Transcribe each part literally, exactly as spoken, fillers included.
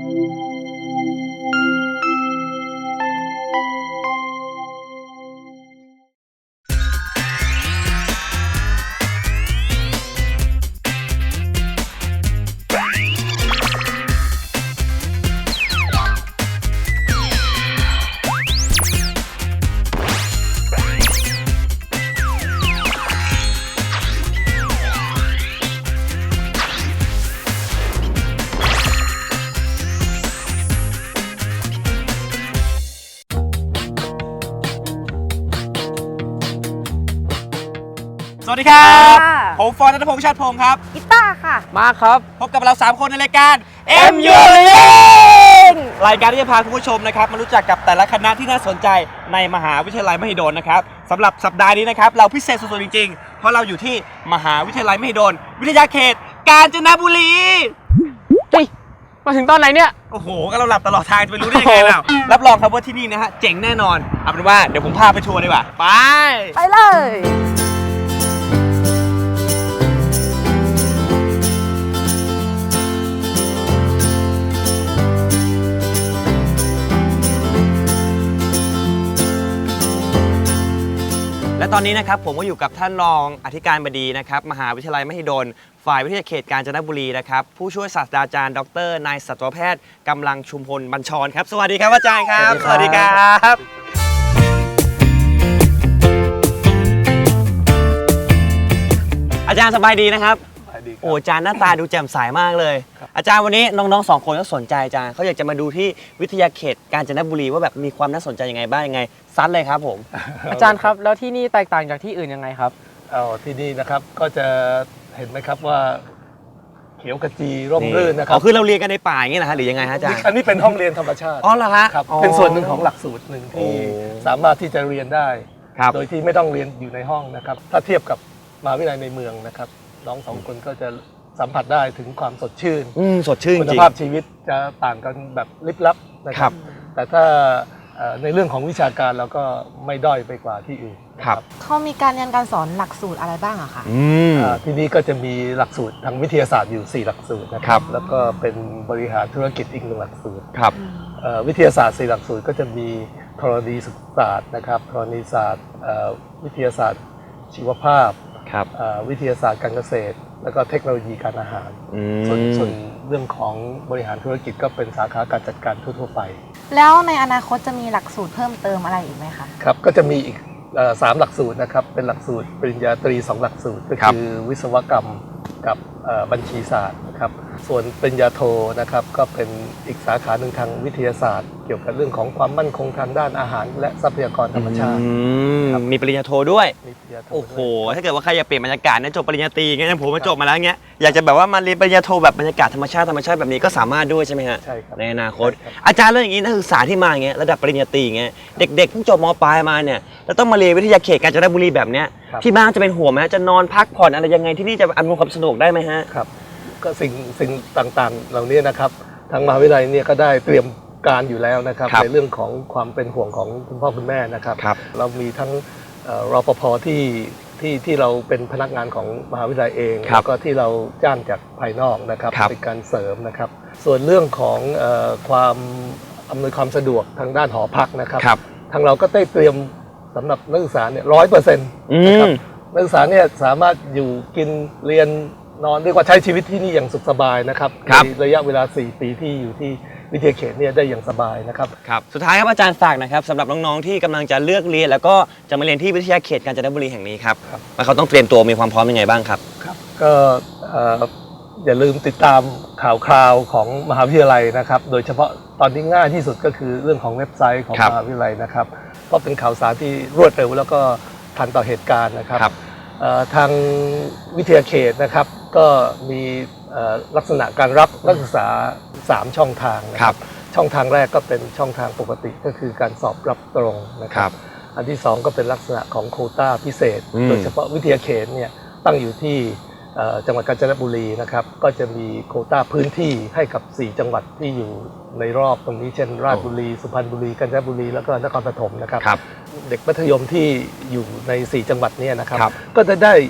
สวัสดีครับผมฟอร์ณัฐพงษ์ชาติพงศ์ครับกีตาร์ค่ะมาครับพบกับเราสามคนในรายการ เอ็ม ยู รายการที่จะพาคุณผู้ชมนะครับมารู้จักกับแต่ละคณะที่น่าสนใจในมหาวิทยาลัยมหิดลนะครับสำหรับสัปดาห์นี้นะครับเราพิเศษสุดๆจริงๆเพราะเราอยู่ที่มหาวิทยาลัยมหิดลวิทยาเขตกาญจนบุรีเฮ้ยมาถึงตอนไหนเนี่ยโอ้โหก็เราหลับตลอดทางจะไปรู้ได้ยังไงเรารับรองครับว่าที่นี่นะฮะเจ๋งแน่นอนเอาเป็นว่าเดี๋ยวผมพาไปทัวร์ดีกว่าไปไปเลยและตอนนี้นะครับผมก็อยู่กับท่านรองอธิการบดีนะครับมหาวิทยาลัยมหิดลฝ่ายวิทยาเขตกาญจนบุรีนะครับผู้ช่วยศาสตราจารย์ดรนายสัตวแพทย์กำลังชุมพลบัญชรครับสวัสดีครับอาจารย์ครับสวัสดีครับอาจารย์สบายดีนะครับโอ้อาจารย์หน้าตาดูแจ่มใสมากเลยอาจารย์วันนี้น้องๆสองคนก็สนใจอาจารย์เขาอยากจะมาดูที่วิทยาเขตกาญจนบุรีว่าแบบมีความน่าสนใจยังไงบ้างยังไงซัดเลยครับผมอาจารย์ครับแล้วที่นี่แตกต่างจากที่อื่นยังไงครับเอาที่นี่นะครับก็จะเห็นไหมครับว่าเขียวขจีร่มรื่นนะครับอ๋อคือเราเรียนกันในป่าอย่างนี้นะฮะหรือยังไงฮะอาจารย์อันนี้เป็นห้องเรียนธรรมชาติอ๋อเหรอฮะครับเป็นส่วนหนึ่งของหลักสูตรหนึ่งที่สามารถที่จะเรียนได้โดยที่ไม่ต้องเรียนอยู่ในห้องนะครับถ้าเทียบกับมหาวิทยาลัยในเมืองนะครับน้องสองคนก็จะสัมผัสได้ถึงความสดชื่นสดชื่นจริงคุณภาพชีวิตจะต่างกันแบบลิบลับนะครับแต่ถ้าในเรื่องของวิชาการเราก็ไม่ด้อยไปกว่าที่อื่นครับเขามีการเรียนการสอนหลักสูตรอะไรบ้างอะคะที่นี่ก็จะมีหลักสูตรทางวิทยาศาสตร์อยู่สี่หลักสูตรนะครับแล้วก็เป็นบริหารธุรกิจอีกหนึ่งหลักสูตรครับวิทยาศาสตร์สี่หลักสูตรก็จะมีธรณีศึกษาศาสตร์นะครับธรณีศาสตร์วิทยาศาสตร์ชีวภาพวิทยาศาสตร์การเกษตรแล้วก็เทคโนโลยีการอาหารส่วนส่วนเรื่องของบริหารธุรกิจก็เป็นสาขาการจัดการทั่วๆไปแล้วในอนาคตจะมีหลักสูตรเพิ่มเติมอะไรอีกไหมคะครับก็จะมีอีกสามหลักสูตรนะครับเป็นหลักสูตรปริญญาตรีสองหลักสูตรก็คือวิศวกรรมกับบัญชีศาสตร์นะครับส่วนปริญญาโทนะครับก็เป็นอีกสาขาหนึ่งทางวิทยาศาสตร์เกี่ยวกับเรื่องของความมั่นคงทางด้านอาหารและทรัพยากรธรรมชาติมีปริญญาโทด้วยโอ้โหถ้าเกิดว่าใครอยากเปลี่ยนบรรยากาศเนี่ยจบปริญญาตรีเงี้ยผมมาจบมาแล้วเงี้ยอยากจะแบบว่ามาเรียนปริญญาโทแบบบรรยากาศธรรมชาติธรรมชาติแบบนี้ก็สามารถด้วยใช่ไหมฮะใช่ครับในอนาคตอาจารย์เรื่องอย่างนี้นักศึกษาที่มาเงี้ยระดับปริญญาตรีเงี้ยเด็กๆเพิ่งจบม.ปลายมาเนี่ยแล้วต้องมาเรียนวิทยาเขตกาญจนบุรีแบบเนี้ยที่บ้านจะเป็นห่วงไหมจะนอนพักผ่อนอะไรยังไงที่นี่จะอำนวยความสะดวกได้ไหมฮะครับก็สิ่งสิ่งต่างๆเหล่านี้นะครับทางมหาวิทยาลัยเนี่ยก็ได้เตรียมการอยู่แล้วนะครับในเรื่องของความเป็นห่วงของคุณพ่อคุณแม่นะครับเรามีทั้งรปภที่ที่ที่เราเป็นพนักงานของมหาวิทยาลัยเองแล้วก็ที่เราจ้างจากภายนอกนะครับเป็นการเสริมนะครับส่วนเรื่องของความอำนวยความสะดวกทางด้านหอพักนะครับทางเราก็ได้เตรียมสำหรับนักศึกษาเนี่ยร้อยเปอร์เซ็นต์นะครับนักศึกษาเนี่ยสามารถอยู่กินเรียนนอนเรียกว่าใช้ชีวิตที่นี่อย่างสุขสบายนะครับในระยะเวลาสี่ปีที่อยู่ที่วิทยาเขตเนี่ยได้อย่างสบายนะครับครับสุดท้ายครับอาจารย์ฝากนะครับสำหรับน้องๆที่กำลังจะเลือกเรียนแล้วก็จะมาเรียนที่วิทยาเขตกาญจนบุรีแห่งนี้ครับว่าเขาต้องเตรียมตัวมีความพร้อมยังไงบ้างครับครับก็อย่าลืมติดตามข่าวคราวของมหาวิทยาลัยนะครับโดยเฉพาะตอนนี้ง่ายที่สุดก็คือเรื่องของเว็บไซต์ของมหาวิทยาลัยนะครับเพราะเป็นข่าวสารที่รวดเร็วแล้วก็ทันต่อเหตุการณ์นะครับทางวิทยาเขตนะครับก็มีลักษณะการรับนักศึกษาสามช่องทางนะครับช่องทางแรกก็เป็นช่องทางปกติก็คือการสอบรับตรงนะครับอันที่สองก็เป็นลักษณะของโควต้าพิเศษโดยเฉพาะวิทยาเขตเนี่ยตั้งอยู่ที่จังหวัดกาญจนบุรีนะครับก็จะมีโควต้าพื้นที่ให้กับสี่จังหวัดที่อยู่ในรอบตรงนี้เช่นราชบุรีสุพรรณบุรีกาญจนบุรีแล้วก็นครปฐมนะครับเด็กมัธยมที่อยู่ในสี่จังหวัดนี้นะครับก็จะได้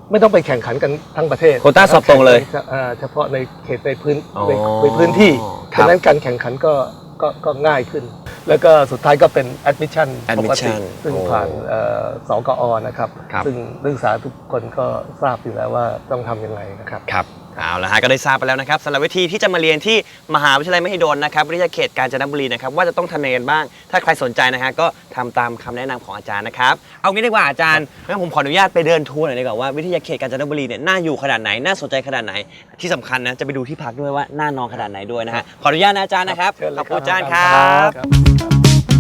ไม่ต้องไปแข่งขันกันทั้งประเทศโควต้าสอบตรงเลยอ่าเฉพาะในเขตในพื้นอ๋อในในพื้นที่ครับฉะนั้นการแข่งขันก็ก็ก็ง่ายขึ้น แล้วก็สุดท้ายก็เป็น admission ปกติ admission ซึ่งโอ้ผ่านเอ่อสกอนะครับครับซึ่งนักศึกษาทุกคนก็ทราบอยู่แล้วว่าต้องทำยังไงนะครับครับเอาละฮะก็ได้ทราบไปแล้วนะครับสำหรับวิธีที่จะมาเรียนที่มหาวิทยาลัยมหิดลนะครับวิทยาเขตกาญจนบุรีนะครับว่าจะต้องทำยังไงกันบ้าง ถ้าใครสนใจนะฮะก็ทำตามคำแนะนำของอาจารย์นะครับเอางี้ดีกว่าอาจารย์งั้นผมขออนุญาตไปเดินทัวร์หน่อยดีกว่าว่าวิทยาเขตกาญจนบุรีเนี่ยน่าอยู่ขนาดไหนน่าสนใจขนาดไหนที่สำคัญนะจะไปดูที่พักด้วยว่าน่านอนขนาดไหนด้วยนะฮะขออนุญาตนะอาจารย์นะครับเชิญเลยขอบคุณอาจารย์คครัรับ บ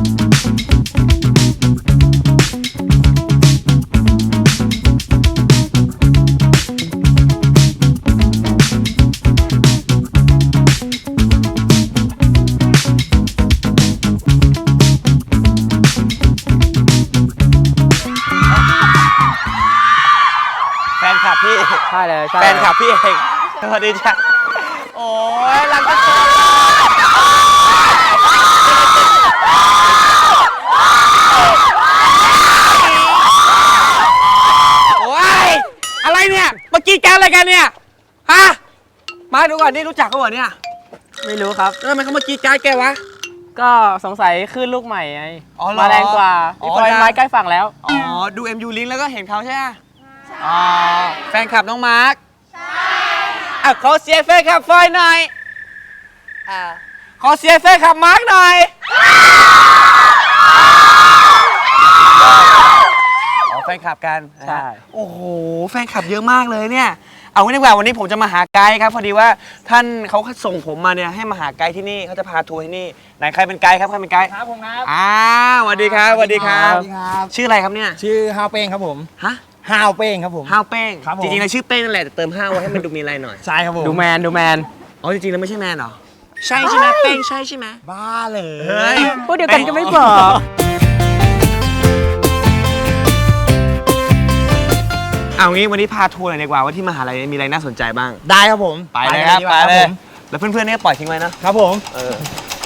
แฟนคลับพี่ใช่เลยใช่แฟนคลับพี่เองสวัสดีจ้ะโอ้ยรังกระโจนโอ้ยอะไรเนี่ยเมื่อกี้แกอะไรกันเนี่ยฮะมาดูก่อนนี่รู้จักเขาเหรอเนี่ยไม่รู้ครับแล้วทำไมเขาเมื่อกี้แกแกวะก็สงสัยขึ้นลูกใหม่ไงอ๋อเหรอมาแรงกว่าอ๋อพี่ปอยได้ไม้ใกล้ฝั่งแล้วอ๋อดู เอ็ม ยู Link แล้วก็เห็นเขาใช่ไหมอ๋อแฟนคลับน้องมาร์คใช่อ่ะขอเสียงแฟนคลับฟอยหน่อยอ่าขอเสียงแฟนคลับมาร์คหน่อยอ๋อแฟนคลับกันใช่โอ้โหแฟนคลับเยอะมากเลยเนี่ยเอางี้ดีกว่าวันนี้ผมจะมาหาไกด์ครับพอดีว่าท่านเขาส่งผมมาเนี่ยให้มาหาไกด์ที่นี่เขาจะพาทัวร์ที่นี่ไหนใครเป็นไกด์ครับใครเป็นไกด์ครับผมครับอ่าสวัสดีครับสวัสดีครับสวัสดีครับชื่ออะไรครับเนี่ยชื่อฮาวเป้งครับผมฮะฮาวเป้งครับผมห้าวเป้งครับผมจริงๆแล้วชื่อเป้งนั่นแหละแต่เติมห้าวไว้ให้มันดูมีอะไรหน่อยใช่ครับผมดูแมนดูแมนอ๋อจริงๆแล้วไม่ใช่แมนเหรอใช่ใช่ไหมเป้งใช่ใช่ไหมบ้าเลยเฮ้ยพูดเดียวกันก็ไม่บอกเอางี้วันนี้พาทัวร์หน่อยดีกว่าว่าที่มหาลัยนี้มีอะไรน่าสนใจบ้างได้ครับผมไปเลยครับดีกไปว่าเลยผมแล้วเพื่อนๆเนี่ยปล่อยทิ้งไว้นะครับผมเออ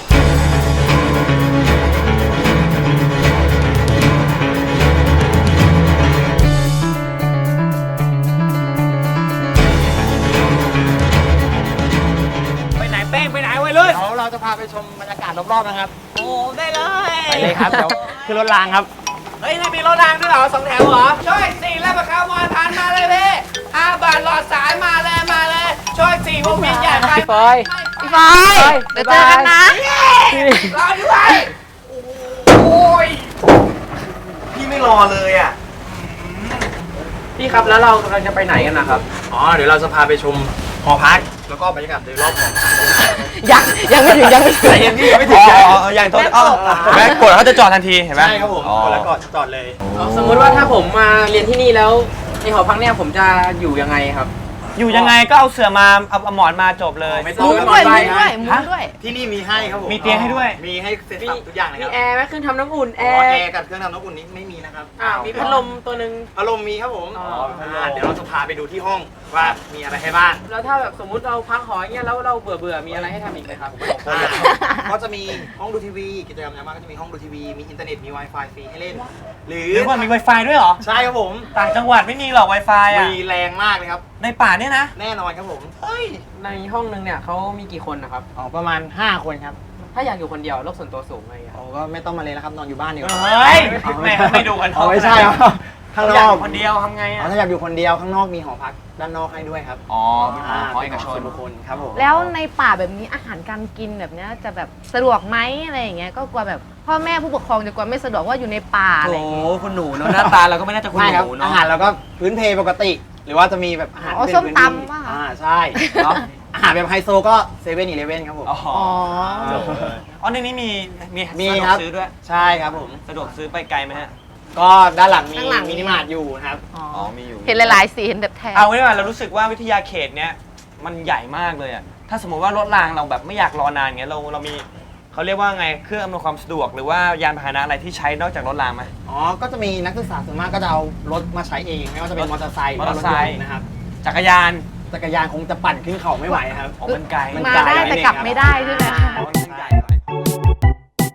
ไปไหนเป้งไปไหนไว้เลยเดี๋ยวเราจะพาไปชมบรรยากาศรอบๆนะครับโอ้ได้เลยไปเลยครับ เดี๋ยวขึ้นรถรางครับเฮ้ยนี่มีรถรางด้วยเหรอสองแถวเหรอช่วยสี่แล้วมาเข้าวมอทานมาเลยพี่ห้าบาทหลอดสายมาเลยมาเลยช่วยสี่วงเวียนใหญ่ไปพี่ปอยพี่ฟอยเดี๋ยวเจอกันนะรอด้วยโอ้ยพี่ไม่รอเลยอ่ะพี่ครับแล้วเรากำลังจะไปไหนกันนะครับอ๋อ เดี๋ยวเราจะพาไปชมหอพัก แล้วก็บรรยากาศโดยรอบของยังยังไม่ถึงยังไม่ถึงใจเย็นพี่ยังไม่ถึอ๋งอใจอ๋ออย่างโทษอ๋อแม่กดแล้วเขาจะจอดทันทีเห็นไหมใช่ครับผมอ๋อกดแล้วก็จอดเลยสมมุติว่าถ้าผมมาเรียนที่นี่แล้วในหอพักเนี่ยผมจะอยู่ยังไงครับอยู่ยังไงก็เอาเสื่อมาเอาเอาหมอนมาจบเลยไม่ต้อมุ้งงด้วยมุ้งด้วยมุ้งด้วยที่นี่มีให้ครับผมมีเตียงให้ด้วยมีให้เซ็ตสับทุกอย่างเลยคมีรับแอร์ไหมเครื่องทำน้ำอุ่นแออ๋อร์แอร์กับเครื่องทำน้ำอุ่นนี้ไม่มีนะครับอ่ามีพัดลมตัวหนึ่งพัดลมมีครับผมอ๋ออ่าเดี๋ยวเราจะพาไปดูที่ห้องว่ามีอะไรให้บ้างแล้วถ้าแบบสมมุติเราพักหออย่างเงี้ยแล้วเราเบื่อเบื่อๆมีอะไรให้ทำอีกไหมครับอ่าก็จะมีห้องดูทีวีกิจกรรมยามว่างก็จะมีห้องดูทีวีมีอินเทอร์เน็ตมี Wi-Fi ฟรีให้เล่น หรือหรือว่ามี Wi-Fi ด้วยเหรอใช่ครับผมต่างจังหวัดไม่มีหรอก Wi-Fi อ่ะมีแรงมากเลยครับในป่าเนี่ยนะแน่นอนครับผมเฮ้ยในห้องนึงเนี่ยเขามีกี่คนนะครับอ๋อประมาณห้าคนครับถ้าอยากอยู่คนเดียวโลกส่วนตัวสูงอะไรอย่างเงี้ยอ๋อก็ไม่ต้องมาเลยแล้วครับนอนอยู่บ้านดีกว่าเฮ้ยไม่ไม่ดูกันอ๋อไม่ใช่ครับข้างนอยากออก ยู่คนเดียวทำไงอ๋อ่ะอถ้าอยากอยู่คนเดียวข้างนอกมีหอพักด้านนอกให้ด้วยครับอ๋อเป็นหอหอเอกชนส่วนบุคคลครับผมแล้วในป่าแบบนี้อาหารการกินแบบเนี้ยจะแบบสะดวกไหมอะไรอย่างเงี้ยก็กลัวแบบพ่อแม่ผู้ปกครองจะกลัวไม่สะดวกว่าอยู่ในป่าอะไรโอ้อย่างเงี้ยคุณหนูเนอะหน้าตาเราก็ไม่น่าจะคุณไม่หครับนูอาเนาะหารเราก็พื้นเพปกติ หรือว่าจะมีแบบอาหารอ๋อที่ส้มเป็นตำพื้นที่ป่ะคะอ่าใช่เนาะอาหารแบบไฮโซก็เซเว่นอีเลฟเว่นครับผมอ๋ออ๋ออ๋อในนี้มีมีมีสะดวครักบซื้อด้วยใช่ครับผมสะดวกซื้อไปไกลไหมฮะก็ด้านหลังมีข้างหลังมินิมาร์ทอยู่ครับอ๋ออ๋อมีอยู่เห็นหลายๆสีเห็นแบบแทนเอาไว้ว่าเรารู้สึกว่าวิทยาเขตเนี้ยมันใหญ่มากเลยอ่ะ ถ้าสมมติว่ารถรางเราแบบไม่อยากรอนานเงี้ยเราเรามีเขาเรียกว่าไงเครื่องอำนวยความสะดวกหรือว่ายานพาหนะอะไรที่ใช้นอกจากรถรางไหมอ๋อ ก็จะมีนักศึกษาส่วนมากก็จะเอารถมาใช้เอง ไม่ว่าจะเป็นมอเตอร์ไซค์มอเตอร์ไซค์หว่ารถยนต์นะครับจักรยานจักรยานคงจะปั่นขึ้นเขาไม่ไหวครับอ๋อมันไกลมันมาไกลได้แต่กลับไม่ได้ใช่ไหมอ๋อมันใหญ่หน่อย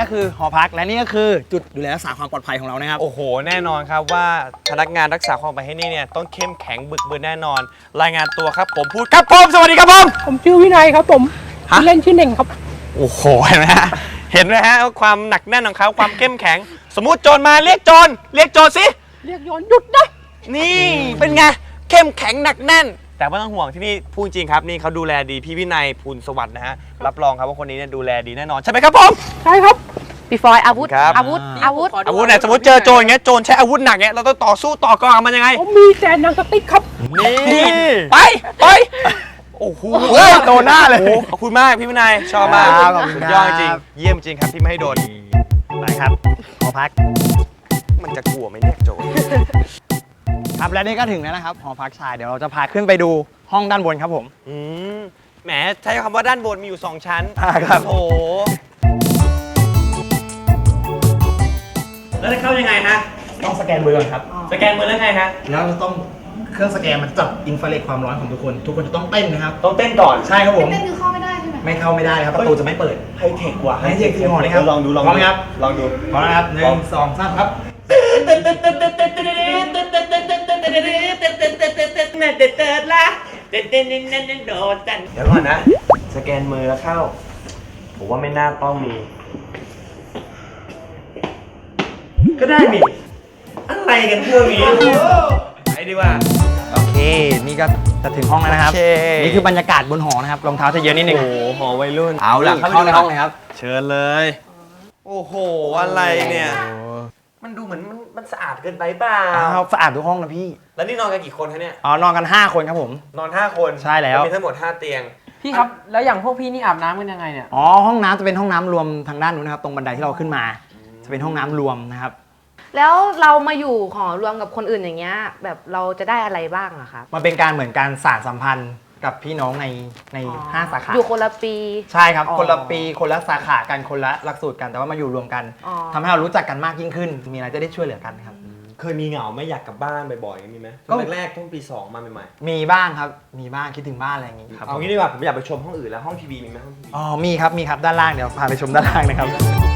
คือหอพักและนี่ก็คือจุดดูแลรักษาความปลอดภัยของเรานะครับโอ้โห แน่นอนครับว่าพนักงานรักษาความปลอดภัยที่นี่เนี่ยต้องเข้มแข็งบึกบืนแน่นอน รายงานตัวครับผมพูดครับผมสวัสดีครับผมผมชื่อวินัยครับผมฮะชื่อเล่นชื่อเน่งครับโอ้โหเห็นไหมฮะเห็นไหมฮะความหนักแน่นของเขาความเข้มแข็ง สมมุติโจรมาเรียกโจรเรียกโจรสิเรียกย้อนหยุดนะนี่เป็นไงเข้มแข็งหนักแน่น แต่ไม่ต้องห่วงที่นี่พูดจริงครับนี่เขาดูแลดีพี่วินัยภูลสวัสดิ์นะฮะรับรองครับว่าคนนี้เนี่ยดูแลดีแน่นอนใช่ไหมครับผมใช่ครับพี่ฟอยอาวุธครับอาวุธอาวุธอาวุธไหนสมมติเจอโจรอย่างเงี้ยโจรใช้อาวุธหนักเงี้ยเราต้องต่อสู้ต่อกรกับมันยังไงผมมีแต่หนังสติ๊กครับนี่ไปไปโอ้โหโดนหน้าเลยขอบคุณมากพี่วินัยชอบมากครับขอบคุณสุดครับยอดจริงเยี่ยมจริงครับที่ไม่ให้โดนไปครับหอพักมันจะกลัวไหมเนี่ยโจรครับและนี่ก็ถึงแล้วนะครับหอพักชายเดี๋ยวเราจะพาขึ้นไปดูห้องด้านบนครับผมอืมแหมใช้คำว่าด้านบนมีอยู่สองชั้นอ่าครับโอ้โหแล้วจะเข้ายังไงฮะต้องสแกนมือก่อนครับสแกนมือแล้วไงฮะแล้วต้องเครื่องสแกนมันจับอินฟราเรดความร้อนของทุกคน ทุกคนจะต้องเต้นนะครับต้องเต้นก่อนใช่ครับผมเต้นคือเข้าไม่ได้ใช่ไหมไม่เข้าไม่ได้ครับประตูจะไม่เปิดไฮเทคว่ะไฮเทคจริงเหรอเนี่ยครับลองดูลองพร้อมไหมครับลองดูพร้อมนะครับหนึ่งสองสามครับเดี๋ยวก่อนนะ สแกนมือแล้วเข้า ผมว่าไม่น่าต้องมี ก็ได้นี่อะไรกันพวกนี้ไปดีกว่าโอเค นี่ก็จะถึงห้องแล้วนะครับโอเคนี่คือบรรยากาศบนหอนะครับรองเท้าจะเยอะนิดนึงโอ้โหหอวัยรุ่นเอาล่ะเข้าในห้องเลยครับเชิญเลย โอ้โห อะไรเนี่ย มันดูเหมือนมันมันสะอาดเกินไปเปล่าอ้าวสะอาดทุกห้องนะพี่แล้วนี่นอนกันกี่คนคะเนี่ยอ๋อนอนกันห้าคนครับผมนอนห้าคนใช่แล้วมีทั้งหมดห้าเตียงพี่ครับ แล้วอย่างพวกพี่นี่อาบน้ำกันยังไงเนี่ยอ๋อห้องน้ำจะเป็นห้องน้ำรวมทางด้านนู้นนะครับตรงบันไดที่เราขึ้นมา จะเป็นห้องน้ำรวมนะครับแล้วเรามาอยู่หอรวมกับคนอื่นอย่างเงี้ยแบบเราจะได้อะไรบ้างอะครับมันเป็นการเหมือนการสานสัมพันธ์กับพี่น้องในในอ๋อห้าสาขาอยู่คนละปีใช่ครับอ๋อคนละปีคนละสาขากันคนละหลักสูตรกันแต่ว่ามาอยู่รวมกันอ๋อทำให้เรารู้จักกันมากยิ่งขึ้น มีอะไรจะได้ช่วยเหลือกันครับเคยมีเหงาไหม่อยากกลับบ้านบ่อยๆมีไหมก็แรกๆต้องปีสองมาใหม่มีบ้างครับมีบ้างคิดถึงบ้านอะไรอย่างงี้คๆรับเอางี้ดีกว่าผมอยากไปชมห้องอื่นแล้วห้องทีวีมีไหมห้องทีวีอ๋อมีครับมีครับด้านล่างเดี๋ยวพาไปชมด้านล่างนะครับ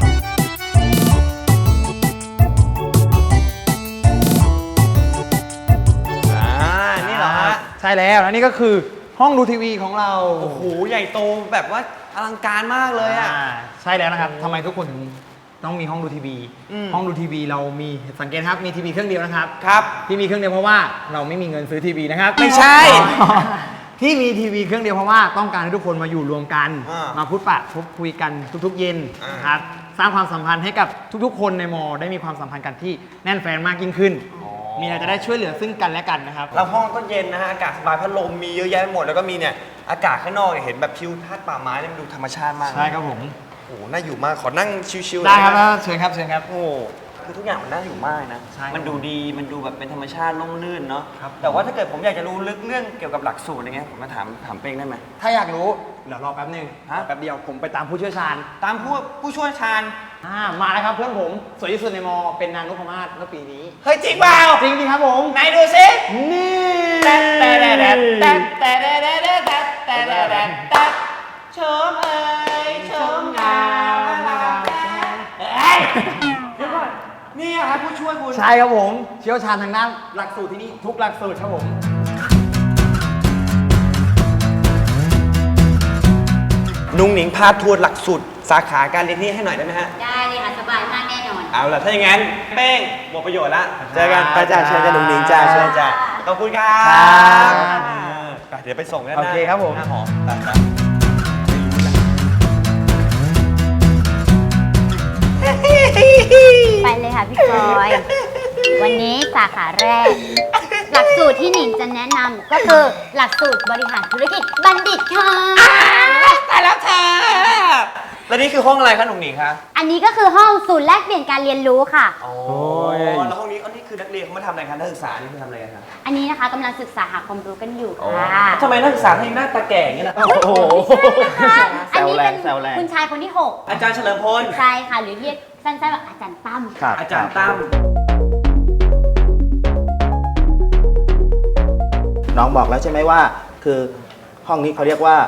อ่านี่เหรอฮะใช่แล้วแล้วนี่ก็คือห้องดูทีวีของเราโอ้โหใหญ่โตแบบว่าอลังการมากเลยอ่ะอ่าใช่แล้วนะครับทำไมทุกคนถึงต้องมีห้องดูทีวีอืมห้องดูทีวีเรามีสังเกตครับมีทีวีเครื่องเดียวนะครับครับที่มีเครื่องเดียวเพราะว่าเราไม่มีเงินซื้อทีวีนะครับไม่ใช่อ๋อที่มีทีวีเครื่องเดียวเพราะว่าต้องการให้ทุกคนมาอยู่รวมกันอ่ามมาพูดปะพูดคุยกันทุกๆเย็นอ่านนะครับสร้างความสัมพันธ์ให้กับทุกๆ คนในมอได้มีความสัมพันธ์กันที่แน่นแฟนมากยิ่งขึ้น มีอะไรจะได้ช่วยเหลือซึ่งกันและกันนะครับแล้วห้องก็เย็นนะฮะอากาศสบายพัดลมมีเยอะแยะไปหมดแล้วก็มีเนี่ยอากาศข้างนอกเนี่ยเห็นแบบทิวทัศน์ป่าไม้เนี่ยมันดูธรรมชาติมากใช่ครับผมโอ้โหน่าอยู่มากขอนั่งชิวๆได้ครับหน่อยนะเชิญครับเชิญครับโอ้โหคือทุกอย่างมันน่าอยู่มากนะใช่มันดูดีมันดูแบบเป็นธรรมชาติร่มรื่นเนาะครับแต่ว่าถ้าเกิดผมอยากจะรู้ลึกเรื่องเกี่ยวกับหลักสูตรอะไรเงี้ยผมมาถามถามเป้งได้ไหมถ้าอยากรู้เดี๋ยวรอแป๊บหนึงฮะแป๊บเดียวผมไปตามผู้เชี่ยวชาญตามผู้ผู้ช่วยชาญอ่ามาแล้วครับเพื่อนผมสวยที่สุดในมอเป็นนางนพมาศเมื่อปีนี้เฮ้ยจริงเปล่าจริงจริงครับผมไหนดูสินี่แต่แต่แต่แต่แต่แต่แต่แต่แต่แต่แต่แต่แต่ชมเอ้ยชมงามเอ้ยเดี๋ยวก่อนนี่อะครับผู้ช่วยคุณใช่ครับผมเชี่ยวชาญทางด้านหลักสูตรที่นี่ทุกหลักสูตรครับผมนุ้งหนิงพาทัวร์หลักสูตรสาขาการเรียนที่ให้หน่อยได้ไหมฮะได้เลยค่ะ สบายมากแน่นอนเอาล่ะถ้าอย่างนั้นเป้งหมดประโยชน์ละเจอกันไปจ้าเชิญจ้านุ้งหนิงจ้าเชิญจ้าขอบคุณครับครับเออไปเดี๋ยวไปส่งกันนะโอเคครับผมหน้าหอไปไปไปเลยค่ะพี่ฟอย วันนี้สาขาแรก หลักสูตรที่หนิงจะแนะนำก็คือหลักสูตรบริหารธุรกิจบัณฑิตค่ะตายแล้วค่ะแล้วนี่คือห้องอะไรคะหนุ่งหนิงคะอันนี้ก็คือห้องศูนย์แลกเปลี่ยนการเรียนรู้ค่ะอ๋อแล้วห้องนี้อันนี้คือนักเรียนเขามาทำอะไรคะนักศึกษานี่คือทำอะไรกันคะอันนี้นะคะกำลังศึกษาหาความรู้กันอยู่อ๋อค่ะทำไมนักศึกษาถึงหน้าตาแก่อย่างนี้ล่ะโอ้โหอันนี้เป็นแซวแรงคุณชายคนที่หกอาจารย์เฉลิมพลใช่ค่ะ หรือเรียกสั้นๆว่าอาจารย์ตั้มอาจารย์ตั้มน้องบอกแล้วใช่ไหมว่า คือห้องนี้เขาเรียกว่า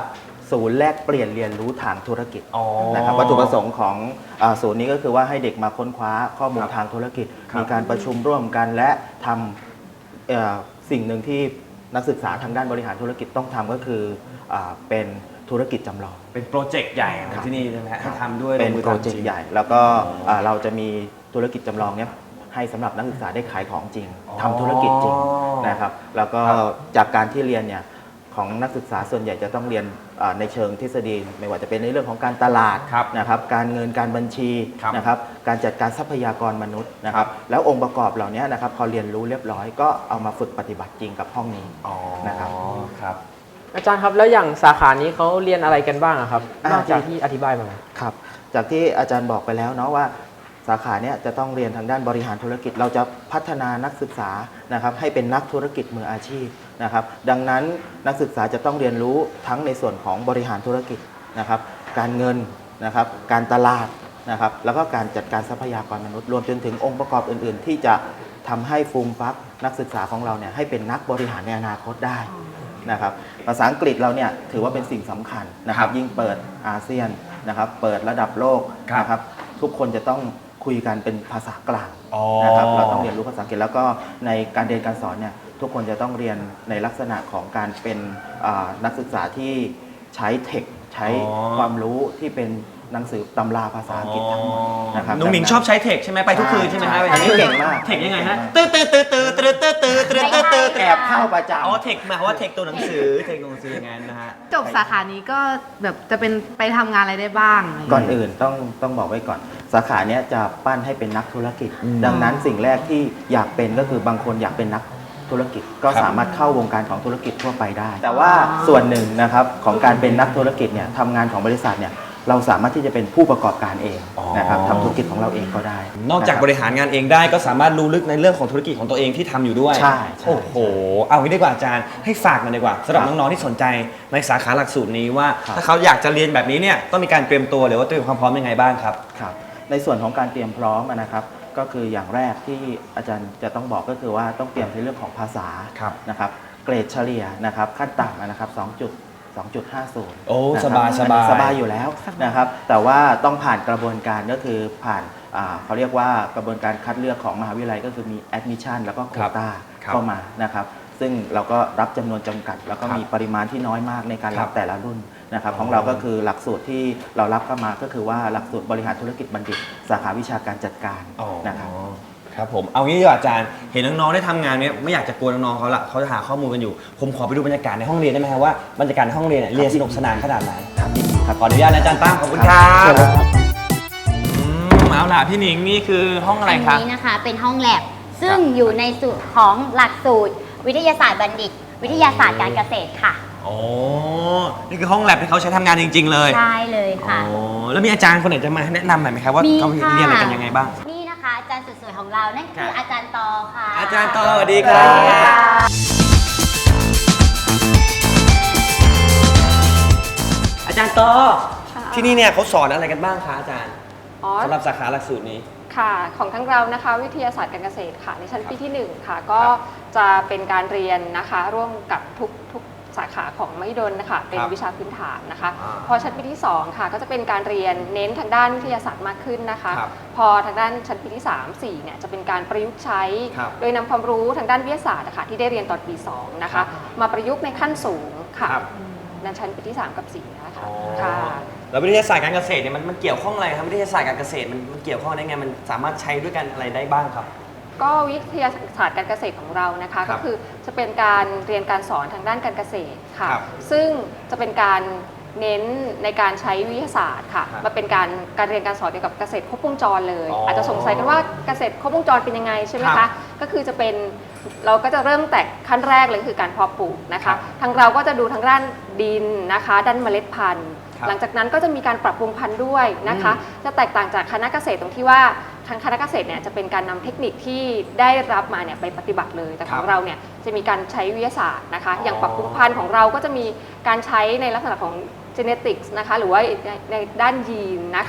ศูนย์แลกเปลี่ยนเรียนรู้ทางธุรกิจอ๋อนะครับวัตถุประสงค์ของอาศูนย์นี้ก็คือว่าให้เด็กมาค้นคว้าข้อมูลครับทางธุรกิจครับมีการประชุมร่วมกันและทำเอ่อสิ่งหนึ่งที่นักศึกษาทางด้านบริหารธุรกิจต้องทำก็คืออาเป็นธุรกิจจำลองเป็นโปรเจกต์ใหญ่ของที่นี่ใช่ไหมฮะให้ทำด้วยเป็นลงมือโปรทำเจกจต์งใหญ่ แล้วก็อ่าเราจะมีธุรกิจจำลองเนี้ยให้สำหรับนักศึกษาได้ขายของจริงอ๋อทำธุรกิจจริงนะครับแล้วก็ครับจากการที่เรียนเนี่ยของนักศึกษาส่วนใหญ่จะต้องเรียนอ่าในเชิงทฤษฎีไม่ว่าจะเป็นในเรื่องของการตลาดครับนะครับการเงินการบัญชีครับนะครับการจัดการทรัพยากรมนุษย์นะครับแล้วองค์ประกอบเหล่านี้นะครับพอเรียนรู้เรียบร้อยก็เอามาฝึกปฏิบัติจริงกับห้องนี้อ๋อนะครับครับอาจารย์ครับแล้วอย่างสาขานี้เขาเรียนอะไรกันบ้างอะครับอ่านอกจากที่อธิบายมาครับจากที่อาจารย์บอกไปแล้วเนาะว่าสาขาเนี้ยจะต้องเรียนทางด้านบริหารธุรกิจ เราจะพัฒนานักศึกษานะครับให้เป็นนักธุรกิจมืออาชีพนะครับดังนั้นนักศึกษาจะต้องเรียนรู้ทั้งในส่วนของบริหารธุรกิจนะครับการเงินนะครับการตลาดนะครับแล้วก็การจัดการทรัพยากรมนุษย์รวมจนถึงองค์ประกอบอื่น ๆ ที่จะทำให้ฟูมฟักนักศึกษาของเราเนี่ยให้เป็นนักบริหารในอนาคตได้นะครับภาษาอังกฤษเราเนี่ยถือว่าเป็นสิ่งสำคัญนะครับยิ่งเปิดอาเซียนนะครับเปิดระดับโลกครับนะครับทุกคนจะต้องคุยกันเป็นภาษากลางอ๋อนะครับเราต้องเรียนรู้ภาษาอังกฤษแล้วก็ในการเรียนการสอนเนี่ยทุกคนจะต้องเรียนในลักษณะของการเป็นอ่านักศึกษาที่ใช้เทคใช้อ๋อความรู้ที่เป็นหนังสือตำราภาษาอังกฤษทั้งหมดนะครับหนุ่มหมิงชอบใช้เทคใช่ไหมไปทุกคืนใช่ไหมฮะใช่อันนี้เก่งมากเทคยังไงฮะตื้อตื้อตื้อตื้อตื้อตื้อตื้อตื้อตื้อตื้อแอบเข้าประจำอ๋อเทคหมายความว่าเทคตัวหนังสือเทคตัวหนังสืออย่างนั้นนะฮะจบสาขานี้ก็แบบจะเป็นไปทำงานอะไรได้บ้างอะไรอย่างก่อนเงี้ยอื่นต้องต้องบอกไว้ก่อน สาขาเนี้ยจะปั้นให้เป็นนักธุรกิจอืมดังนั้นสิ่งแรกที่อยากเป็นก็คือบางคนอยากเป็นนักธุรกิจ ก็ครับสามารถเข้าวงการของธุรกิจทั่วไปได้ แต่ว่าส่วนหนึ่งนะครับของการเป็นนักธุรกิจเนี่ยทำงานของบริษัทเนี่ยเราสามารถที่จะเป็นผู้ประกอบการเองอ๋อนะครับทำธุรกิจของเราเองก็ได้นอกจากะคบริหารงานเองได้ก็สามารถรู้ลึกในเรื่องของธุรกิจของตัวเองที่ทำอยู่ด้วยใช่ใช่โอ้โห เอางี้ดีกว่าอาจารย์ให้ฝากมาดีกว่าสำหรับครับน้องๆที่สนใจในสาขาหลักสูตรนี้ว่าครับถ้าเขาอยากจะเรียนแบบนี้เนี่ยต้องมีการเตรียมตัวหรือว่าเตรียมความพร้อมยังไงบ้างครับครับในส่วนของการเตรียมพร้อมนะครับก็คืออย่างแรกที่อาจารย์จะต้องบอกก็คือว่าต้องเตรียมในเรื่องของภาษาครับนะครับเกรดเฉลี่ยนะครับขั้นต่ำนะครับ2จุดสองจุดห้าศูนย์โอ้นะครับสบายสบายอันนี้สบายอยู่แล้วนะครับแต่ว่าต้องผ่านกระบวนการก็คือผ่านอ่าเขาเรียกว่ากระบวนการคัดเลือกของมหาวิทยาลัยก็คือมี admission แล้วก็โควต้าครับเข้ามานะครับซึ่งเราก็รับจำนวนจำกัด แล้วก็ครับมีปริมาณที่น้อยมากในการครัรับบ แต่ละรุ่นนะครับของเราก็คือหลักสูตรที่เรารับเข้ามาก็คือว่าหลักสูตรบริหารธุรกิจบัณฑิต สาขาวิชาการจัดการอ๋อนะครับครับผมเอางี้ดีกว่าอาจารย์เห็นน้องๆได้ทำงานเนี้ยไม่อยากจะกวนน้องๆเขาละเขาจะหาข้อมูลกันอยู่ ผมขอไปดูบรรยากาศในห้องเรียนได้ไหมครับว่าบรรยากาศในห้องเรียนเนี่ยเรียนสนุกสนานขนาดไหนครับยินดีครับขออนุญาตนะอาจารย์ตั้มขอบคุณคครัรับ บอืมเอาล่ะพี่หนิงนี่คือห้องอะไรอันครับนี้นะคะเป็นห้องแลบซึ่งอยู่ในสูตรของหลักสูตร วิทยาศาสตร์บัณฑิต วิทยาศาสตร์การเกษตรค่ะโอ้นี่คือห้องแลบที่เขาใช้ทำงานจริง ๆ เลยใช่เลยค่ะโอ้แล้วมีอาจารย์คนไหนจะมาแนะนำหน่อยไหมครับว่ามีเขาค่ะเรียนอะไรกันยังไงบ้างนี่นะคะอาจารย์สุดสวยของเรานั่นคืออาจารย์ตอค่ะอาจารย์ตอสวัสดีครับสวัสดีค่ะอาจารย์ตอที่นี่เนี่ยเขาสอนอะไรกันบ้างคะอาจารย์อ๋อสำหรับสาขาหลักสูตรนี้ค่ะ ของทั้งเรานะคะวิทยาศาสตร์การเกษตรค่ะในชั้นปีที่หนึ่งค่ะ ก็จะเป็นการเรียนนะคะร่วมกับทุกทุกสาขาของมหิดลนะคะเป็นครับวิชาพื้นฐานนะคะอ่าพอชั้นปีที่สองค่ะก็จะเป็นการเรียนเน้นทางด้านวิทยาศาสตร์มากขึ้นนะคะครับพอทางด้านชั้นปีที่สาม สี่เนี่ยจะเป็นการประยุกต์ใช้ครับโดยนำความรู้ทางด้านวิทยาศาสตร์นะคะที่ได้เรียนตอนปีสองนะครัคะบมาประยุกต์ในขั้นสูงค่ะครับในชั้นปีที่สามกับสี่นะคะอ๋อค่ะแล้ววิทยาศาสตร์การเกษตรเนี่ยมันมันเกี่ยวข้องอะไรครับวิทยาศาสตร์การเกษตรมันมันเกี่ยวข้องได้ไงมันสามารถใช้ด้วยกันอะไรได้บ้างครับก็วิทยาศาสตร์การเกษตรของเรานะคะครัก็บคือจะเป็นการเรียนการสอนทางด้านการเกษตรค่ะครับซึ่งจะเป็นการเน้นในการใช้วิทยาศาสตร์ค่ะครับมาเป็นการการเรียนการสอนเกี่ยวกับเกษตรครบวงจรเลยอ๋อออาจจะสงสัยกันว่าเกษตรครบวงจรเป็นยังไงใช่ไหมครัคะบก็คือจะเป็นเราก็จะเริ่มแต่ขั้นแรกเลยคือการเพาะปลูกนะครัคะบทางเราก็จะดูทางด้านดินนะคะ ด้านเมล็ดพันธุ์ครับหลังจากนั้นก็จะมีการปรับปรุงพันธุ์ด้วยนะคะอืมจะแตกต่างจากคณะเกษตรตรงที่ว่าทางคณะเกษตรเนี่ยจะเป็นการนำเทคนิคที่ได้รับมาเนี่ยไปปฏิบัติเลย แต่ของเราเนี่ยจะมีการใช้วิทยาศาสตร์นะคะอ๋อออย่างปรับปรุงพันธุ์ของเราก็จะมีการใช้ในลักษณะของ genetics นะคะหรือว่าในในด้านยีนนะครัคะบ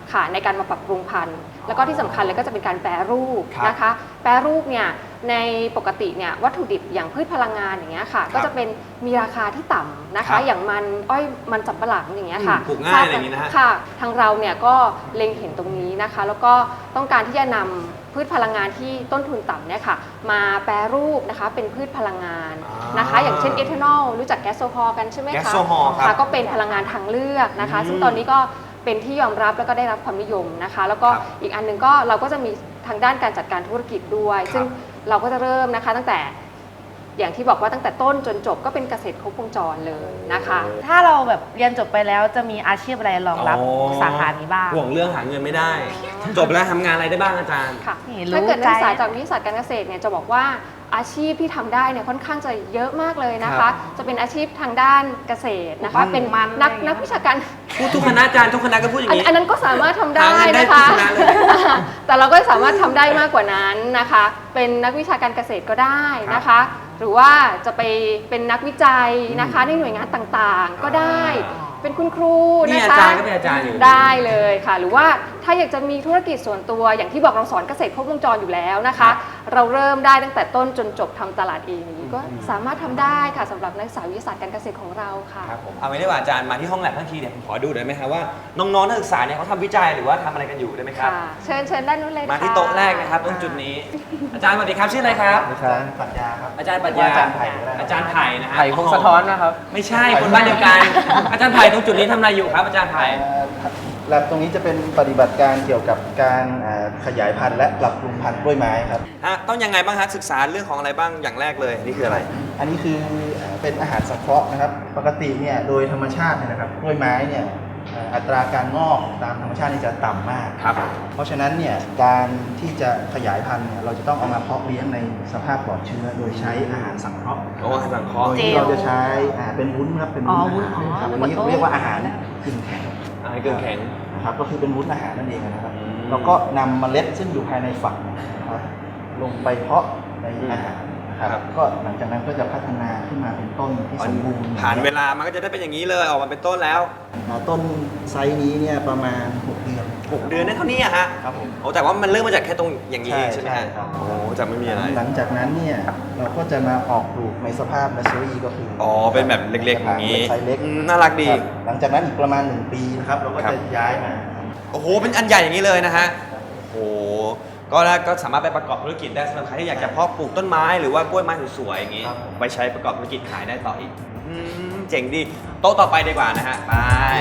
ค่ะในการมาปรับปรุงพันธุ์แล้วก็ที่สำคัญเลยก็จะเป็นการแปรรูปครับนะคะแปรรูปเนี่ยในปกติเนี่ยวัตถุดิบอย่างพืชพลังงานอย่างเงี้ยค่ะก็จะเป็นมีราคาที่ต่ำนะครัคะบอย่างมันอ้อยมันสำปะหลังอย่างเงี้ยค่ะอืมปลูกง่ายอะไรอย่างงี้นะฮะค่ะทางเราเนี่ยก็เล็งเห็นตรงนี้นะคะ แล้วก็ต้องการที่จะนำพืชพลังงานที่ต้นทุนต่ำเนี่ยค่ะมาแปรรูปนะคะเป็นพืชพลังงานนะคะ อย่างเช่นเอทานอลรู้จักแก๊สโซฮอลกันใช่ไหมคะแก๊สโซฮอลครับค่ะก็เป็นพลังงานทางเลือกนะคะอืมซึ่งตอนนี้ก็เป็นที่ยอมรับแล้วก็ได้รับความนิยมนะคะ แล้วก็ครับอีกอันหนึงก็เราก็จะมีทางด้านการจัดการธุรกิจด้วยครับซึ่งเราก็จะเริ่มนะคะตั้งแต่อย่างที่บอกว่าตั้งแต่ต้นจนจบก็เป็นเกษตรครบวงจรเลยนะคะถ้าเราแบบเรียนจบไปแล้วจะมีอาชีพอะไรรองรับอ๋อสาขานี้บ้างห่วงเรื่องหาเงินไม่ได้ จบแล้วทำงานอะไรได้บ้างอาจารย์ค่ะนี่รู้ถ้าเกิดนักศึกษาใจจากวิทยาศาสตร์การเกษตรเนี่ยจะบอกว่าอาชีพที่ทำได้เนี่ยค่อนข้างจะเยอะมากเลยนะครัคะบจะเป็นอาชีพทางด้านเกษตรนะคะมันเป็นมันนักอะไรอย่างเงี้ยนักวิชาการพูดทุกคณะอาจารย์ทุกคณะก็พูดอย่างอันนี้อันนั้นก็สามารถทำได้หาเงินได้นะคะทุกคณะเลยแต่เราก็สามารถทำได้มากกว่านั้นนะคะ เป็นนักวิชาการเกษตรก็ได้นะคะ หรือว่าจะไปเป็นนักวิจัยนะคะในหน่วยงานต่างๆ ก็ได้ เป็นคุณครูนี่นะคะอาจารย์ก็เป็นอาจารย์อยู่ได้เลยค่ะ หรือว่าถ้าอยากจะมีธุรกิจส่วนตัวอย่างที่บอกเราสอนเกษตรครบวงจรอยู่แล้วนะคะ เราเริ่มได้ตั้งแต่ต้นจนจบทำตลาดเองอย่างนี้ก็สามารถทำได้ค่ะสำหรับนักศึกษาวิทยาศาสตร์การเกษตรของเราค่ะครับผมเอาไว้ได้ว่าอาจารย์มาที่ห้องแลบทั้งทีเนี่ยผมขอดูหน่อยไหมครับว่าน้องๆนักศึกษาเนี่ยเขาทำวิจัยหรือว่าทำอะไรกันอยู่ได้ไหมครับค่ะ เชิญเชิญด้านนู้นเลยค่ะมาที่โต๊ะแรกนะครับตรงจุดนี้ อาจารย์สวัสดีครับชื่ออะไรครับอาจารย์ปรัชญาครับอาจารย์ปรัชญาอาจารย์ไผ่ก็ได้อาจารย์ไผ่นะฮะไผ่พงศธรนะครับไม่ใช่คนบ้านเดียวกัน อาจารย์ไผ่ตรงจุดนี้ทำอะไรอยู่ครับอาจารย์ไผ่แลบตรงนี้จะเป็นปฏิบัติการเกี่ยวกับการอ่าขยายพันธุ์และปรับปรุงพันธุ์กล้วยไม้ครับฮะต้องยังไงบ้างฮะศึกษาเรื่องของอะไรบ้างอย่างแรกเลยนี่คืออะไรอันนี้คืออ่าเป็นอาหารสังเคราะห์นะครับ ปกติเนี่ยโดยธรรมชาติเนี่ยนะครับกล้วยไม้เนี่ยอ่าอัตราการงอกตามธรรมชาตินี่จะต่ำมากครับเพราะฉะนั้นเนี่ยการที่จะขยายพันธุ์เนี่ยเราจะต้องเอามาเพาะเลี้ยงในสภาพปลอดเชื้อ โดยใช้อาหารสังเคราะห์โอ้อาหารสังเคราะห์โดยที่เราจะใช้อ่าเป็นวุ้นครับเป็นวุ้นอ๋ออาวุ้นหารอ๋อครับนึอักนว่านี้โต๊ะเรียกว่าอาหารกึ่งแข็งอาหารเกลือแข็งนะครับก็คือเป็นวุ้นอาหารนั่นเองนะครับอืมแล้วก็นำเมล็ดซึ่งอยู่ภายในฝักนะครับลงไปเพาะในอาหารนะครับก็หลังจากนั้นก็จะพัฒนาขึ้นมาเป็นต้นที่สมบูรณ์ผ่านเวลามันก็จะได้เป็นอย่างนี้เลยออกมาเป็นต้นแล้วอ่าต้นไซส์นี้เนี่ยประมาณหกเดือนหกเดือนได้เท่านี้อะฮะครับผมโอ้แต่ว่ามันเริ่มมาจากแค่ตรงอย่างนี้ใช่ใช่ไหมฮะใช่ครับโอ้จากไม่มีอะไรหลังจากนั้นเนี่ยเราก็จะมาออกปลูกในสภาพ nursery ก็คืออ๋อ๋อเป็นแบบเล็กๆอย่างนี้ไซส์เล็กอืมน่ารักดีคบหลังจากนั้นอีกประมาณหนึ่งปีนะครับเราก็ครับจะย้ายมาโอ้โห เป็นอันใหญ่อย่างนี้เลยนะฮะ โอ้โห ก็แล้วก็สามารถไปประกอบธุรกิจได้สำหรับใครที่อยากจะเพาะปลูกต้นไม้หรือว่ากล้วยไม้สวยๆอย่างนี้ครับผมไปใช้ประกอบธุรกิจขายได้ต่ออีกอืมเจ๋งดี โต๊ะต่อไปดีกว่านะฮะ ไป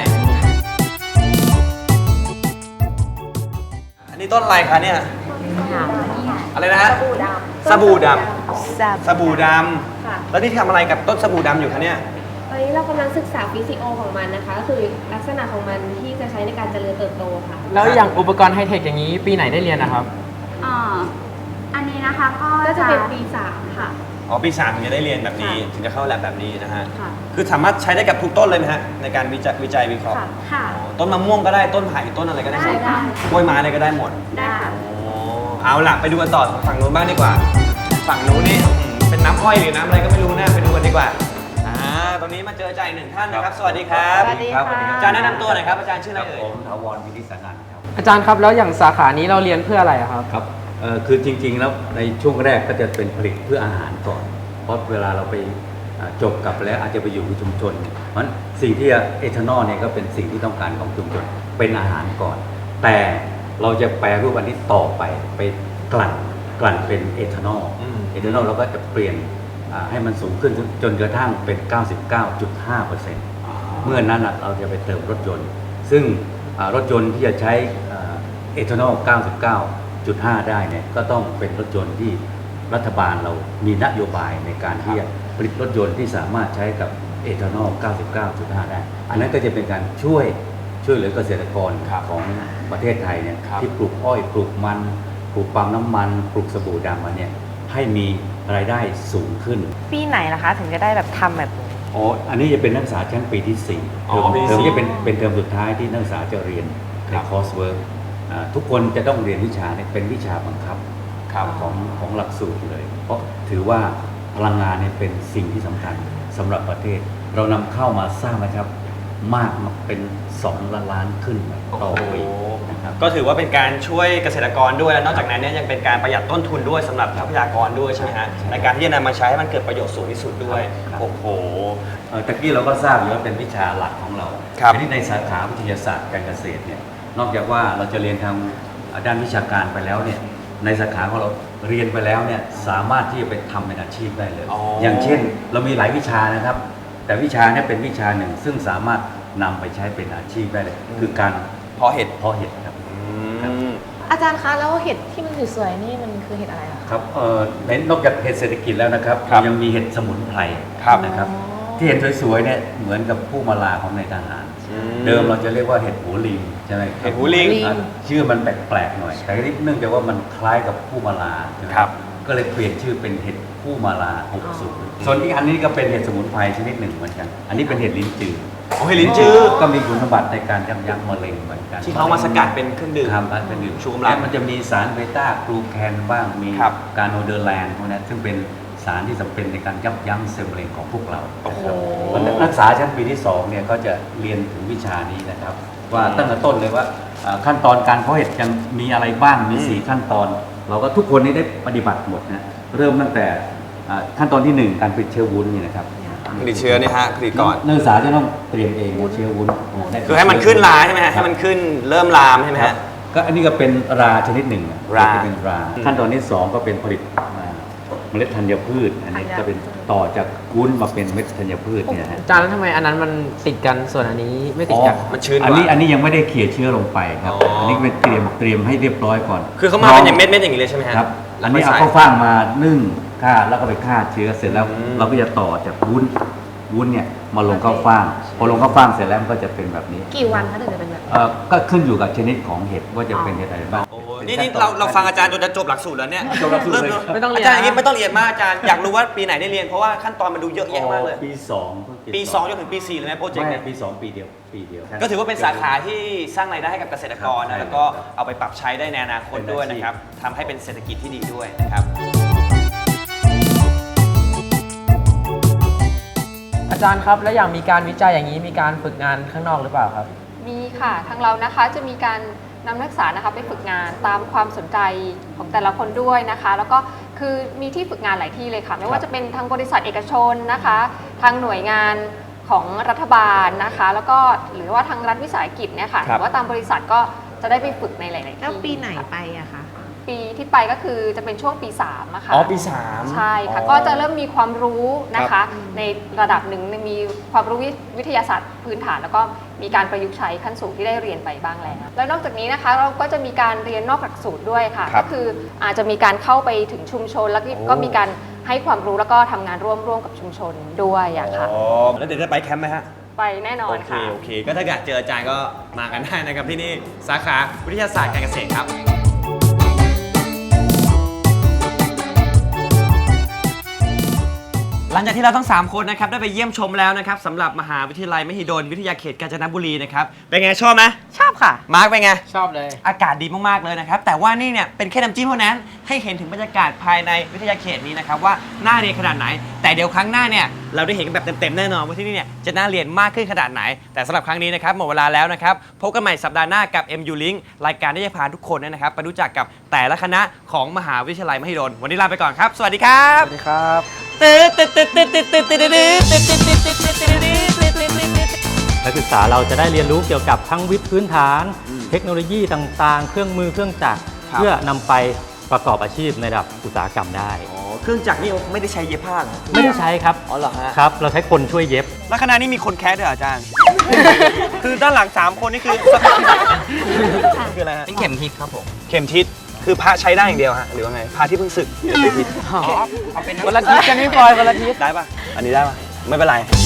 อันนี้ต้นอะไรคะเนี่ย อะไรนะฮะ สบู่ดำแซ่บสบู่ดำแล้วนี่ทำอะไรกับต้นสบู่ดำอยู่คะเนี่ยตอนนี้เรากำลังศึกษาฟิสิโอของมันนะคะ ก็คือลักษณะของมันที่จะใช้ในการเจริญเติบโตค่ะแล้วอย่างอุปกรณ์ไฮเทคอย่างนี้ปีไหนได้เรียนนะครับอ่าอันนี้นะคะก็ก็จะเป็นปีสามค่ะอ๋อ ปีสามถึงจะได้เรียนแบบนี้ ถึงจะเข้าแลบแบบนี้นะฮะค่ะคือสามารถใช้ได้กับทุกต้นเลยไหมฮะ ในการวิจัยวิจัยวิเคราะห์ค่ะค่ะอ๋อต้นมะม่วงก็ได้ ต้นไผ่ ต้นอะไรก็ได้หมดได้กล้วยไม้อะไรก็ได้หมดได้ค่ะอ๋อเอาล่ะ ไปดูกันต่อฝั่งนู้นบ้างดีกว่า ฝั่งนู้นนี่อื้อหือเป็นน้ำอ้อยหรือน้ำอะไรก็ไม่รู้นะไปดูกันดีกว่า อ่า ตรงนี้มาเจออาจารย์อีกหนึ่งท่านนะครับ สวัสดีครับสวัสดีค่ะอาจารย์แนะนำตัวหน่อยครับ อาจารย์ชื่ออะไรเอ่ยผมถาวรวินิสนันท์ครับอาจารย์ครับแล้วอย่างสาขานี้เราเรียนเพื่ออะไรอะครับครับเอ่อคือจริงๆแล้วในช่วงแรกก็จะเป็นผลิตเพื่ออาหารก่อน เพราะเวลาเราไปอ่าจบกลับแล้วอาจจะไปอยู่ในชุมชนเนี่ยเพราะฉะนั้นสิ่งที่เอทานอลเนี่ยก็เป็นสิ่งที่ต้องการของชุมชนเป็นอาหารก่อน แต่เราจะแปรรูปอันนี้ต่อไปไปกลั่นกลั่นเป็นเอทานอลอืมเอทานอลเราก็จะเปลี่ยนอ่าให้มันสูงขึ้นจนกระทั่งเป็น เก้าสิบเก้าจุดห้าเปอร์เซ็นต์ เมื่อนั้นน่ะเราจะไปเติมรถยนต์ ซึ่งอ่ารถยนต์ที่จะใช้อ่าเอทานอล เก้าสิบเก้าจุดห้า ได้เนี่ยก็ต้องเป็นรถยนต์ที่รัฐบาลเรามีนโยบายในการที่จะผลิตรถยนต์ที่สามารถใช้กับเอทานอล เก้าสิบเก้าจุดห้า ได้ อันนั้นก็จะเป็นการช่วยช่วยเหลือเกษตรกรครับของประเทศไทยเนี่ยครับที่ปลูกอ้อยปลูกมันปลูกปาล์มน้ำมันปลูกสบู่ดำมาเนี่ยให้มีรายได้สูงขึ้นปีไหนล่ะคะถึงจะได้แบบทำแบบอ๋อ อันนี้จะเป็นนักศึกษาชั้นปีที่สี่อ๋อปีที่เทอมสี่นี้เป็นเป็นเทอมสุดท้ายที่นักศึกษาจะเรียนในคอร์สเวิร์กทุกคนจะต้องเรียนวิชาเนี่ยเป็นวิชาบังคับครับของของหลักสูตรเลย เพราะถือว่าพลังงานเนี่ยเป็นสิ่งที่สำคัญสำหรับประเทศ เรานำเข้ามาสร้างนะครับมากมาเป็นสองล้านล้านขึ้นต่อปีนะครับก็ถือว่าเป็นการช่วยเกษตรกรด้วยและนอกจากนั้นเนี่ยยังเป็นการประหยัดต้นทุนด้วยสำหรับทรัพยากรด้วยใช่ไหมฮะในการที่จะนำมาใช้ให้มันเกิดประโยชน์สูงที่สุดด้วยโอ้โหเอ่อตะกี้เราก็ทราบอยู่ว่าเป็นวิชาหลักของเราครับทีนี้ในสาขาวิทยาศาสตร์การเกษตรเนี่ยนอกจากว่าเราจะเรียนทางด้านวิชาการไปแล้วเนี่ยในสาขาของเราเรียนไปแล้วเนี่ยสามารถที่จะไปทำเป็นอาชีพได้เลยอ๋อออย่างเช่นเรามีหลายวิชานะครับ แต่วิชาเนี่ยเป็นวิชาหนึ่งซึ่งสามารถนำไปใช้เป็นอาชีพได้เลย คือการเพาะเห็ดเพาะเห็ดครับอาจารย์คะแล้วเห็ดที่มันสวยๆนี่มันคือเห็ดอะไรอะคะครับเอ่อในนอกจากเห็ดเศรษฐกิจแล้วนะครับครับยังมีเห็ดสมุนไพรครับนะครับ ที่เห็นสวยๆเนี่ยเหมือนกับผู้มาลาของในทหาร เดิมเราจะเรียกว่าเห็ดหูลิงใช่ไหมครับเห็ดหูลิงอ่ะชื่อมันแปลกๆหน่อย แต่นี่เนื่องจากว่ามันคล้ายกับผู้มาลาใช่ไหมครับก็เลยเปลี่ยนชื่อเป็นเห็ดผู้มาลาหกสูตรส่วนอีกอันนี้ก็เป็นเห็ดสมุนไพรชนิดหนึ่งเหมือนกัน อันนี้เป็นเห็ดลิ้นจือโอ้เห็ดลิ้นจือก็มีคุณสมบัติในการยับยั้งมะเร็งเหมือนกันที่เขามาสกัดเป็นเครื่องดื่มครับเป็นดื่มชูกำลังและมันจะมีสารเบต้ากลูแคนบ้างมีครับการโนเดอร์แลนด์พวกนั้นซึ่งเป็นสารที่จำเป็นในการยับยั้งเซลล์มะเร็งของพวกเราโอ้โหนะครับนักศึกษาชั้นปีที่สองเนี่ยก็จะเรียนถึงวิชานี้นะครับ ว่าตั้งแต่ต้นเลยว่าอ่าขั้นตอนการเพาะเห็ดยังมีอะไรบ้างมีสี่ขั้นตอน เราก็ทุกคนนี่ได้ปฏิบัติหมดนะเริ่มตั้งแต่อ่าขั้นตอนที่หนึ่งการผลิตเชื้อวุ้นนี่นะครับผลิตเชื้อนี่ฮะผลิตก่อนนักศึกษาจะต้องเตรียมเองเชื้อวุ้นคือให้มันขึ้นราใช่ไหมฮะให้มันขึ้นเริ่มลามใช่ไหมครัฮะบก็อันนี้ก็เป็นราชนิดหนึ่งราจะเป็นราขั้นตอนที่สองก็เป็นผลิตอ่าเมล็ดธัญพืช อันนี้จะเป็นต่อจากวุ้นมาเป็นเม็ดธัญพืชเนี่ยนะฮะอาจารย์แล้วทำไมอันนั้นมันติดกันส่วนอันนี้ไม่ติดกันมันชื้นกว่าอันนี้อันนี้ยังไม่ได้เขี่ยเชื้อลงไปครับอ๋ออัอันนี้เป็นเตรียมเตรียมให้เรียบร้อยก่อนคือเขามาเป็นอย่างเม็ดเม็ดๆอย่างนี้เลยใช่ไหมฮะครับแล้อัวน ค่นี้ยเอาใส่ข้าวฟ่างมานึ่งฆ่าแล้วก็ไปฆ่าเชื้อเสร็จแล้วอืมเราก็จะต่อจากวุ้นวุ้นเนี่ยมาลงข้าวฟ่างพอลงข้าวฟ่างเสร็จแล้วมันก็จะเป็นแบบนี้กี่วันคะถึงจะเป็นแบบนี้เอ่อก็ขึ้นอยู่กับชนิดของเห็ดว่าจะเป็นเห็ดอะไรบ้างโอ้ยนี่นี่เราเราฟังอาจารย์จนจะจบหลักสูตรแล้วเนี่ยจบหลักสูตรเลยไม่ต้องเรียนอาจารย์อย่างนี้ไม่ต้องเรียนมากอาจารย์อยากรู้ว่าปีไหนได้เรียนเพราะว่าขั้นตอนมันดูเยอะแยะมากเลยปีสองเพิ่งปีสองจนถึงปีสี่เลยไหมโปรเจกต์ไม่เนี่ยปีสองปีเดียวปีเดียวก็ถือว่าเป็นสาขาที่สร้างรายได้ให้กับเกษตรกรครันะบแล้วก็เอาไปปรับใช้ได้ในอนาคตด้วยนะครับทำให้เป็นเศรษฐกิจที่ดีด้วยนะครับอาจารย์ครับแล้วอย่างมีการวิจัยอย่างนี้มีการฝึกงานข้างนอกหรือเปล่าครับมีค่ะทางเรานะคะจะมีการนำนักศึกษานะคะไปฝึกงานตามความสนใจของแต่ละคนด้วยนะคะ แล้วก็คือมีที่ฝึกงานหลายที่เลยค่ะ ไม่ว่าจะเป็นทางบริษัทเอกชนนะคะ ทางหน่วยงานของรัฐบาลนะคะ แล้วก็หรือว่าทางรัฐวิสาหกิจเนี่ยค่ะครัหบรือว่าตามบริษัทก็จะได้ไปฝึกในหลาย ๆ ที่แล้วปีไหนไปอะคะปีที่ไปก็คือจะเป็นช่วงปีสามอะค่ะอ๋อปีสามใช่ค่ะอ๋อก็จะเริ่มมีความรู้นะครัคะบในระดับหนึ่งมีความรู้วิทยาศาสตร์พื้นฐาน แล้วก็มีการประยุกต์ใช้ขั้นสูงที่ได้เรียนไปบ้างแล้ว แล้วนอกจากนี้นะคะเราก็จะมีการเรียนนอกหลักสูตรด้วยค่ะครัก็บคืออาจจะมีการเข้าไปถึงชุมชน แล้วก็โอ้ก็มีการให้ความรู้แล้วก็ทำงานร่วมร่วมกับชุมชนด้วยอะค่ะอ๋อแล้วเดี๋ยวจะไปแคมป์ไหมฮะไปแน่นอโอน เคค่ะโอเค ก็ถ้าอยากเจออาจารย์ก็มากันได้นะครับที่นี่สาขาวิทยาศาสตร์การเกษตรครับ หลังจากที่เราทั้งสามคนนะครับได้ไปเยี่ยมชมแล้วนะครับสำหรับมหาวิทยาลัยมหิดลวิทยาเขตกาญจนบุรีนะครับเป็นไงชอบไหมชอบค่ะมาร์คเป็นไงชอบเลยอากาศดีมากๆเลยนะครับแต่ว่านี่เนี่ยเป็นแค่น้ำจิ้มเท่านั้นให้เห็นถึงบรรยากาศภายในวิทยาเขตนี้นะครับว่าน่าเรียนขนาดไหน แต่เดี๋ยวครั้งหน้าเนี่ยเราได้เห็นกันแบบเต็มๆแน่นอนว่าที่นี่เนี่ยจะน่าเรียนมากขึ้นขนาดไหน แต่สำหรับครั้งนี้นะครับหมดเวลาแล้วนะครับพบกันใหม่สัปดาห์หน้ากับ เอ็ม ยู Link รายการที่จะพาทุกคนเนยนะครับไปรู้จักกับแต่ละคณะของมหาวิทยาลัยมหิดลวันนี้ลาไปก่อนครับสวัสดีครับสวัสดีครับนักศึกษาเราจะได้เรียนรู้เกี่ยวกับทั้งวิทย์พื้นฐาน เทคโนโลยีต่างๆ เครื่องมือเครื่องจักรครับเพื่อนำไปประกอบอาชีพในระดับอุตสาหกรรมได้อ๋อเครื่องจักรนี่ไม่ได้ใช้เย็บผ้าเหรอไม่ได้ใช้ครับอ๋อเหรอฮะครับ เราใช้คนช่วยเย็บแล้วคณะนี้มีคนแคสด้วยเหรออาจารย์ คือด้านหลังสามคนนี่คือ คืออะไรฮะเป็นเข็มทิศครับผมเข็มทิศคือพระใช้ได้อย่างเดียวฮะหรือว่าไงพระที่เพิ่งศึกอ๋อเอาเป็นวันละทิศกันไม่ปล่อยวันละทิศได้ปะอันนี้ได้ปะไม่เป็นไร